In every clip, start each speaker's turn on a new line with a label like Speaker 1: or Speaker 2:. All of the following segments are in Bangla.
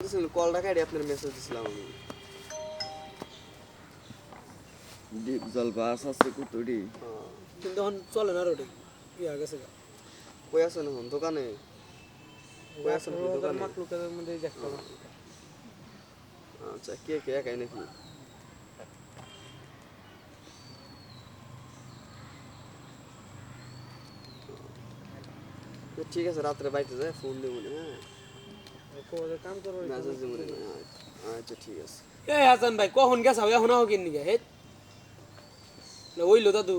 Speaker 1: কলটা কাটি আপনার মেসেজ দিছিলাম আমি।
Speaker 2: ডিপ জল বাস আছে কুতুরি
Speaker 3: কিন্তু এখন চলে না রোডে কি আগে গেছে
Speaker 1: কই আছেন এখন দোকানে? কই আছেন আপনি দোকানে?
Speaker 3: মাকলুকের মধ্যে দেখতে
Speaker 1: আচ্ছা কে কে একাই নাকি? তো ঠিক আছে রাত্রে বাইতে যায় ফোন দেবো না।
Speaker 3: হ্যাঁ কাম করো
Speaker 1: মেসেজ দেবো না। আচ্ছা ঠিক আছে।
Speaker 3: এই হাসান ভাই কখন গেছাও এখন আও কিন নিগে হে না ওইলো দাদু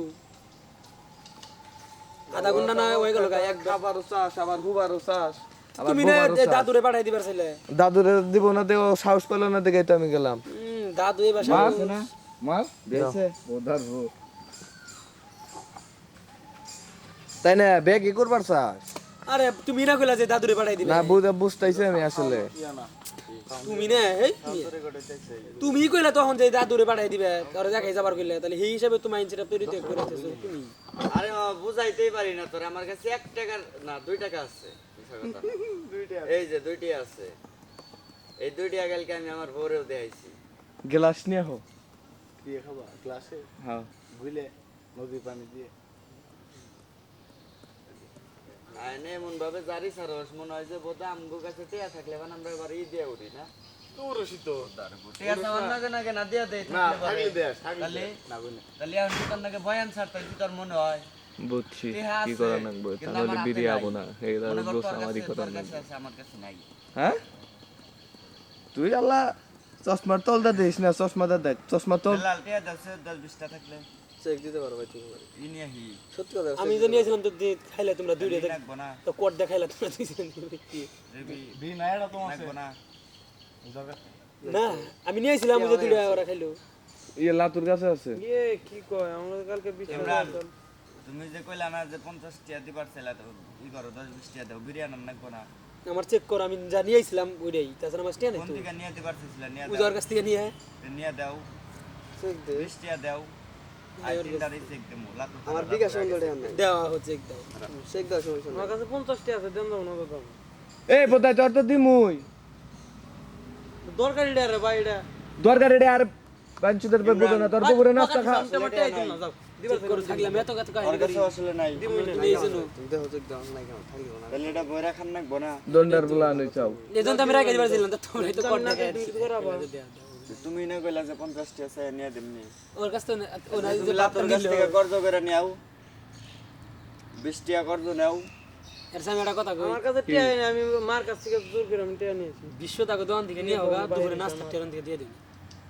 Speaker 3: আধা ঘন্টা না হয়ে গেল গায় একবার
Speaker 2: খাবারও চাস আবার হুবারও চাস
Speaker 3: তুমি না দাদুরে পাঠাই দিবার ছিলে
Speaker 2: দাদুরে দিব না দেও সাহস পেল না দেখে তো আমি গেলাম
Speaker 3: দাদু এই বাসা
Speaker 2: আছে না মাছ দিয়েছে ওধার ভো তাই না ব্যাগ কি করবার চাস
Speaker 3: আরে তুমি না কইলা যে দাদুরে পাঠাই দিবে
Speaker 2: না বুঝতাইছি আমি আসলে
Speaker 3: তুমি না এই তুমি কইলা তখন যে দাদুরে পাঠাই দিবে আর দেখাই যাবার কইলে তাহলে এই হিসাবে তুমি আইনছিটা তৈরি তো করেছো তুমি
Speaker 1: আরে বুঝাইতেই পারি না তোর আমার কাছে 1 টাকা না 2 টাকা আছে এই যে 2 টাকা আছে এই 2 টাকা কালকে আমি আমার বউরেও দেখাইছি
Speaker 2: গ্লাস নিয়ে হো
Speaker 4: দিয়ে খাবা গ্লাসে
Speaker 2: হ্যাঁ
Speaker 4: ভুলে নদীর পানি দিয়ে
Speaker 1: আইনে এমন ভাবে জারি সারস মনে হয় যে বোধহয় আমগো কাছে টিয়া থাকলে বান আমরা এবার ই দিয়ে উঠি না
Speaker 4: তোরসি তো
Speaker 1: টিয়া সামান নাগে না দিয়া দেই
Speaker 4: না থাকলে দেশ
Speaker 1: তাহলে
Speaker 4: না বলে
Speaker 1: তাহলে এখন দোকান নাগে বয়ান ছাড়তে কি তোর মনে হয়
Speaker 2: বুঝছি
Speaker 1: টিয়া
Speaker 2: কি
Speaker 1: আছে,
Speaker 2: করা লাগবে
Speaker 1: কিন্তু
Speaker 2: তাহলে
Speaker 1: আমার হাতে
Speaker 2: বিরিয়ে
Speaker 1: নাই।
Speaker 2: আবো না এইটা
Speaker 1: মনে কর
Speaker 2: দোষ
Speaker 1: তোর
Speaker 2: আমারই
Speaker 1: কাছে-
Speaker 2: করা
Speaker 1: তোর কাছে
Speaker 2: লাগবে
Speaker 1: আছে, আমার কাছে নাই
Speaker 2: হ্যাঁ তুই আল্লাহ চশমার তলটা দিস না চশমাটা দেখ চশমা তল
Speaker 1: লাল টিয়া 10-20টা থাকলে
Speaker 3: চেক দিতে পারো ভাই তুমি
Speaker 1: ই নিয়ে হি
Speaker 3: সত্যি কথা আমি তো নিয়েছিলাম তো খাইলে তোমরা দুইটা দেখ
Speaker 1: রাখবো না
Speaker 3: তো কোট দেখাইলা তোমরা দুইজন কি
Speaker 1: রেবি
Speaker 4: বি না এটা তো আছে
Speaker 1: রাখবো না
Speaker 4: দরকার
Speaker 3: না আমি নিয়েছিলাম যে দুইটা ওরা খাইলো
Speaker 2: ইয়ে লাতুর কাছে আছে
Speaker 3: ইয়ে কি কয় আমরা কালকে
Speaker 1: ইমরান তুমি যে কইলা না যে 50 টিয়া দিবার চাইলা তো ই করো 10-20 টিয়া দাও বিরিয়ানি রাখবো না
Speaker 3: আমার চেক কর আমি যা নিয়েছিলাম ওইটাই তাছাড়া আমার স্ট্যান্ড
Speaker 1: কোন
Speaker 3: নাই
Speaker 1: থেকে নিয়ে দিবার চাইছিলা নিয়ে
Speaker 3: তো উজার কাছ থেকে নিয়ে
Speaker 1: নিয়ে দাও
Speaker 3: চেক দে
Speaker 1: 20 টিয়া দাও আই তিনটারই চেক দেমু লাতু
Speaker 3: আমার বিকাশ অঙ্গলে নাই দেওয়া হচ্ছে চেক দাও চেক দাও সমস্যা আমার কাছে 50 টি আছে দেন দাও না দাও
Speaker 2: এই বোধহয় তোর তো দিমুই
Speaker 3: দরকারি রে ভাই এটা
Speaker 2: দরকার রে আর বাঞ্চুদের পে বুঝো না তোর পুকুরে নাস্তা খা
Speaker 3: দিবার করে থাকলে আমি এত কত
Speaker 1: আর
Speaker 3: কাহিনী
Speaker 1: কাছে আসলে নাই
Speaker 3: নিয়েছিল
Speaker 1: দেখো চেক দাও নাই কেন থাকলো না তাহলে এটা বইরা খান নাকবো না
Speaker 2: দন্ডার বুলা নই চাও
Speaker 3: এজন তো আমি রাখতে পারছিলাম তো তোমরা তো কোট দেখাই
Speaker 1: তুমি না কইলা যে 50 টিয়া চাই নিয়ে দেমনি
Speaker 3: ওর কাছ থেকে ও না
Speaker 1: তুমি লাতুর কাছ থেকে কর্জ করে নিও 20 টিয়া কর্জ নাও
Speaker 3: এর সঙ্গে একটা কথা কই আমার কাছে টিয়া নাই আমি মার কাছ থেকে জোর করে আমি টিয়া নিয়েছি বিশ্ব টাকা দোকান থেকে নিয়ে হোগা দুপুরে নাস্তা টিয়া থেকে দিয়ে দিবি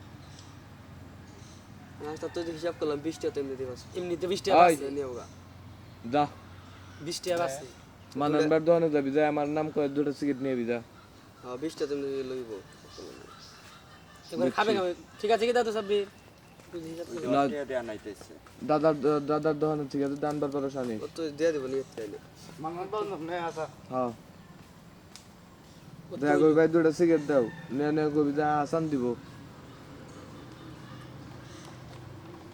Speaker 3: নাস্তা তো হিসাব করলাম 20 টাকা এমনি দিবাস এমনিতে 20 টাকা আছে নিয়ে হোগা
Speaker 2: যা
Speaker 3: 20 টাকা আছে
Speaker 2: মাননবার দোকানে যাবি যা আমার নাম করে দুটো সিগারেট নিয়ে যা
Speaker 1: হ্যাঁ 20 টা তুমি লইব
Speaker 3: এবার খাবে ঠিক আছে কি দাদা সাব্বির
Speaker 2: না
Speaker 1: টিয়া দেয়া নাইতেছে
Speaker 2: দাদার দোকানে ঠিক আছে দানবার পরে শানি
Speaker 1: ও তো দিয়ে দিব নিয়ে চাইলে
Speaker 4: মানমান বল না আসা
Speaker 2: হ্যাঁ দেখা কই ভাই দুটো সিগারেট দাও নে কবি যা আসান দিব